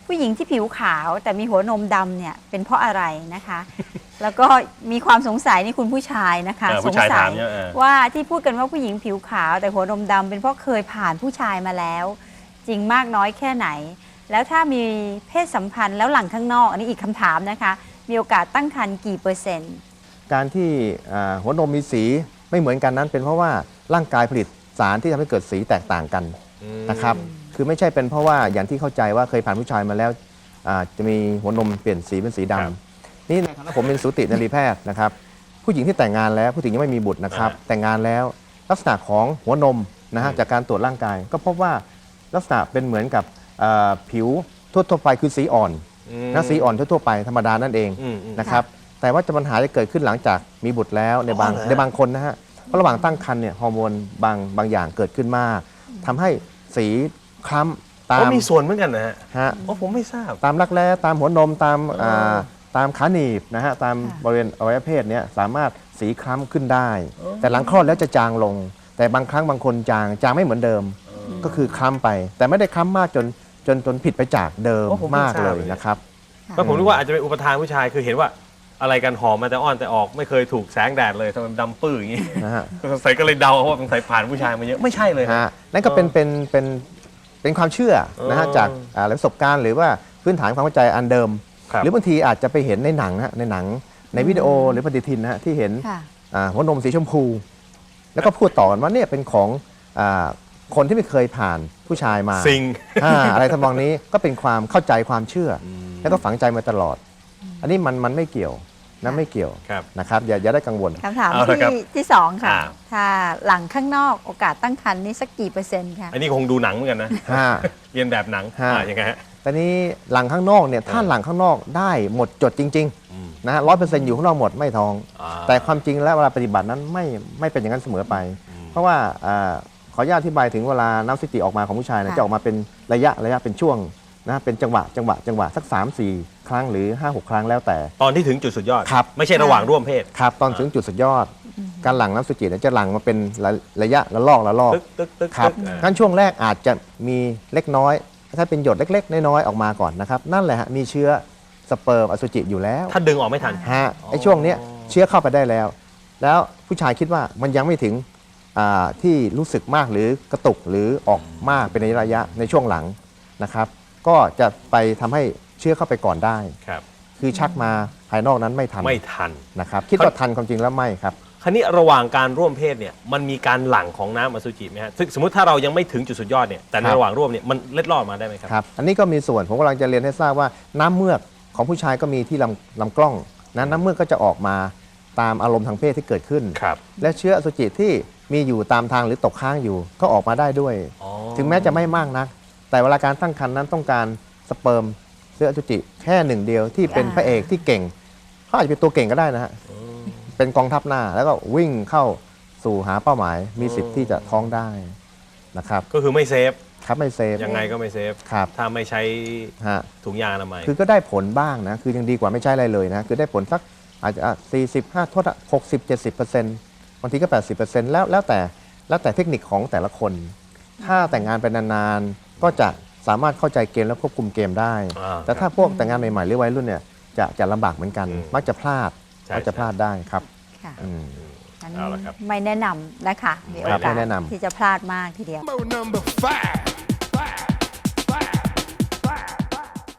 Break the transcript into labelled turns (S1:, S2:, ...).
S1: ผู้หญิงที่ผิวขาวแต่มีหัวนมดำเนี่ยเป็นเพราะอะไรนะคะ แล้วก็มีความสงสัยนี่คุณผู้ชายนะคะสงสัยว่าที่พูดกันว่าผู้หญิงผิวขาวแต่หัวนมดำเป็นเพราะเคยผ่านผู้ชายมาแล้ว จริงมากน้อยแค่ไหน แล้วถ้ามีเพศสัมพันธ์แล้วหลังข้างนอกอันนี้อีกคำถามนะคะมีโอกาสตั้งครรภ์กี่เปอร์เซ็นต์
S2: การที่หัวนมมีสีไม่เหมือนกันนั้นเป็นเพราะว่าร่างกายผลิตสารที่ทำให้เกิดสีแตกต่างกันนะครับคือไม่ใช่เป็นเพราะว่าอย่างที่เข้าใจว่าเคยผ่านผู้ชายมาแล้วจะมีหัวนมเปลี่ยนสีเป็นสีดำนี่ในฐานะผมเป็นสูตินรีแพทย์นะครับผู้หญิงที่แต่งงานแล้วผู้หญิงยังไม่มีบุตรนะครับแต่งงานแล้วลักษณะของหัวนมนะฮะจากการตรวจร่างกายก็พบว่าลักษณะเป็นเหมือนกับผิวทั่วไปคือสีอ่อนนะสีอ่อนทั่วไปธรรมดานั่นเองนะครับแต่ว่าปัญหาจะเกิดขึ้นหลังจากมีบุตรแล้วในบางคนนะฮะเพราะระหว่างตั้งครรภ์เนี่ยฮอร์โมนบางอย่างเกิดขึ้นมากทำให้สีคล้ำตาม
S3: มีส่วนเหมือนกันนะฮะผมไม่ทราบ
S2: ตามรักแร้ตามหัวนมตามขาหนีบนะฮะตามบริเวณอวัยวะเพศเนี่ยสามารถสีคล้ำขึ้นได้ แต่หลังคลอดแล้วจะจางลงแต่บางครั้งบางคนจางไม่เหมือนเดิมก็คือคล้ำไปแต่ไม่ได้คล้ำมากจนผิดไปจากเดิมมากเลยนะครับ
S3: ก็ผมนึกว่าอาจจะเป็นอุปทานผู้ชายคือเห็นว่าอะไรกันหอมมาแต่อ้อนแต่ออกไม่เคยถูกแสงแดดเลยทำไมดำปื้ออย่างนี้นะฮะสงสัยก็เลยเดาว่าสงสัยผ่านผู้ชายมาเยอะไม่ใช่เลย
S2: ฮะนั่นก็เป็นความเชื่อนะฮะจากประสบการณ์หรือว่าพื้นฐานความเข้าใจอันเดิมหรือบางทีอาจจะไปเห็นในหนังในวิดีโอหรือปฏิทินนะฮะที่เห็นหัวนมสีชมพูแล้วก็พูดต่อกันว่าเนี่ยเป็นของคนที่ไม่เคยผ่านผู้ชายมาอะไรทำนองนี้ก็เป็นความเข้าใจความเชื่อแล้วก็ฝังใจมาตลอดอันนี้มันไม่เกี่ยวนะไม่เกี่ยวนะครับอย่าได้กังวล
S1: คำถามที่สองค่ะถ้าหลังข้างนอกโอกาสตั้งครรภ์นี่สักกี่เปอร์เซ็นต์คะ
S3: อันนี้คงดูหนังเหมือนกันนะเรียนแบบหนังยังไงฮะ
S2: ตอนนี้หลังข้างนอกเนี่ยถ้าหลังข้างนอกได้หมดจดจริงๆนะ100%อยู่ข้างนอกหมดไม่ท้องแต่ความจริงแล้วเวลาปฏิบัตินั้นไม่เป็นอย่างนั้นเสมอไปเพราะว่าขออนุญาตอธิบายถึงเวลาน้ำสติออกมาของผู้ชายจะออกมาเป็นระยะเป็นช่วงนะเป็นจังหวะสัก 3-4 ครั้งหรือ 5-6 ครั้งแล้วแต่
S3: ตอนที่ถึงจุดสุดยอดครับไม่ใช่ระหว่างร่วมเพศ
S2: ครับตอนถึงจุดสุดยอดการหลั่งน้ำสุจิจะหลั่งมาเป็นระยะละลอกครับงั้นช่วงแรกอาจจะมีเล็กน้อยถ้าเป็นหยดเล็กๆน้อยๆออกมาก่อนนะครับนั่นแหละฮะมีเชื้อสเปิร์มอสุจิอยู่แล้ว
S3: ถ้าดึงออกไม่ทัน
S2: ไอ้ช่วงนี้เชื้อเข้าไปได้แล้วผู้ชายคิดว่ามันยังไม่ถึงที่รู้สึกมากหรือกระตุกหรือออกมากเป็นระยะในช่วงหลังนะครับก็จะไปทำให้เชื้อเข้าไปก่อนได้คือชักมาภายนอกนั้นไม่ทันนะครับคิดว่าทันความจริงแล้วไม่ครับ
S3: คราวนี้ระหว่างการร่วมเพศเนี่ยมันมีการหลั่งของน้ำอสุจิไหมฮะสมมติถ้าเรายังไม่ถึงจุดสุดยอดเนี่ยแต่ในระหว่างร่วมเนี่ยมันเล็ดลอดมาได้ไหมครับ
S2: อันนี้ก็มีส่วนผมกำลังจะเรียนให้ทราบว่าน้ำเมือกของผู้ชายก็มีที่ลำกล้องน้ำเมือกก็จะออกมาตามอารมณ์ทางเพศที่เกิดขึ้นและเชื้ออสุจิที่มีอยู่ตามทางหรือตกค้างอยู่ก็ออกมาได้ด้วยถึงแม้จะไม่มากนักแต่เวลาการตั้งครรภ์นั้นต้องการสเปิร์มเชื้ออสุจิแค่หนึ่งเดียวที่เป็นพระเอกที่เก่งเขาอาจจะเป็นตัวเก่งก็ได้นะฮะเป็นกองทัพหน้าแล้วก็วิ่งเข้าสู่หาเป้าหมายมีสิทธิ์ที่จะท้องได้นะครับ
S3: ก็คือไม่เซฟ
S2: ครับไม่เซฟ
S3: ยังไงก็ไม่เซฟถ้าไม่ใช้ถุงยางอนามัย
S2: คือก็ได้ผลบ้างนะคือยังดีกว่าไม่ใช่อะไรเลยนะคือได้ผลสักอาจจะ45 โทษ60-70%บางทีก็80%แล้วแต่เทคนิคของแต่ละคนถ้าแต่งงานไปนานๆก็จะสามารถเข้าใจเกมและควบคุมเกมได้แต่ถ้าพวกแต่งงานใหม่ๆหรือวัยรุ่นเนี่ยจะลำบากเหมือนกันมักจะพลาดได้ครับ
S1: ไม่แนะนำนะคะมีโอกาสที่จะพลาดมากทีเดียว